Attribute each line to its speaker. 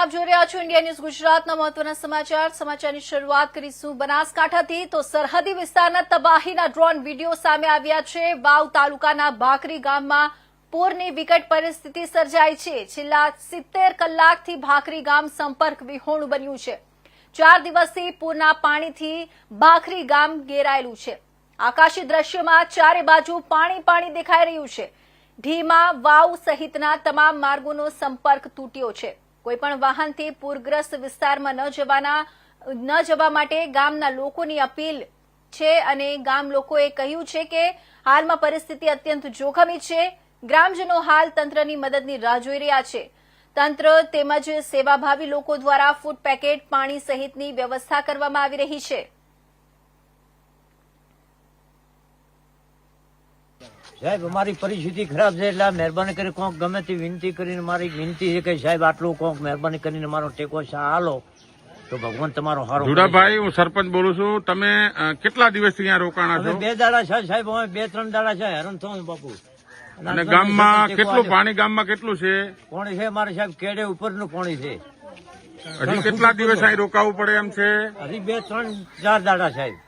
Speaker 1: આપ જોઈ રહ્યા છો ઇન્ડિયા ન્યૂઝ ગુજરાતના મહત્વના સમાચારની શરૂઆત કરીશું બનાસકાંઠાથી તો સરહદી વિસ્તારના તબાહીના ડ્રોન વિડીયો સામે આવ્યા છે। વાવ તાલુકાના ભાખરી ગામમાં પૂરની વિકટ પરિસ્થિતિ સર્જાઈ છે। છેલ્લા 70 કલાકથી ભાખરી ગામ સંપર્ક વિહોણું બન્યું છે। 4 દિવસથી પૂરના પાણીથી ભાખરી ગામ ઘેરાયેલું છે। આકાશી દ્રશ્યમાં ચારે બાજુ પાણી દેખાઈ રહ્યું છે। ઢીમાં વાવ સહિતના તમામ માર્ગોનો સંપર્ક તૂટ્યો છે। કોઈપણ વાહનથી પૂરગ્રસ્ત વિસ્તારમાં ન જવા માટે ગામના લોકોની અપીલ છે અને ગામ લોકોએ કહ્યું છે કે હાલમાં પરિસ્થિતિ અત્યંત જોખમી છે। ગ્રામજનો હાલ તંત્રની મદદની રાહ જોઈ રહ્યા છે। તંત્ર તેમજ સેવાભાવી લોકો દ્વારા ફૂડ પેકેટ પાણી સહિતની વ્યવસ્થા કરવામાં આવી રહી છે।
Speaker 2: સાહેબ અમારી પરિસ્થિતિ ખરાબ છે એટલે મહેરબાની કરી કોક ગમે તે વિનંતી કરીને મારી વિનંતી છે કે સાહેબ આટલું કોક મહેરબાની કરીને મારો ટેકો હાલો તો ભગવાન તમારો હારો।
Speaker 3: જુડાભાઈ હું સરપંચ બોલું છું। તમે કેટલા દિવસથી અહીંયા રોકાણા છો?
Speaker 2: 2 દાડા છે સાહેબ, અમે 2-3 દાડા છે હેરાન થયું બાપુ।
Speaker 3: અને ગામમાં કેટલું પાણી કેટલું છે?
Speaker 2: પાણી છે મારે સાહેબ કેડે ઉપરનું પાણી છે।
Speaker 3: હજી કેટલા દિવસ અહીં રોકાવું પડે એમ છે?
Speaker 2: હજી 2-3-4 દાડા સાહેબ।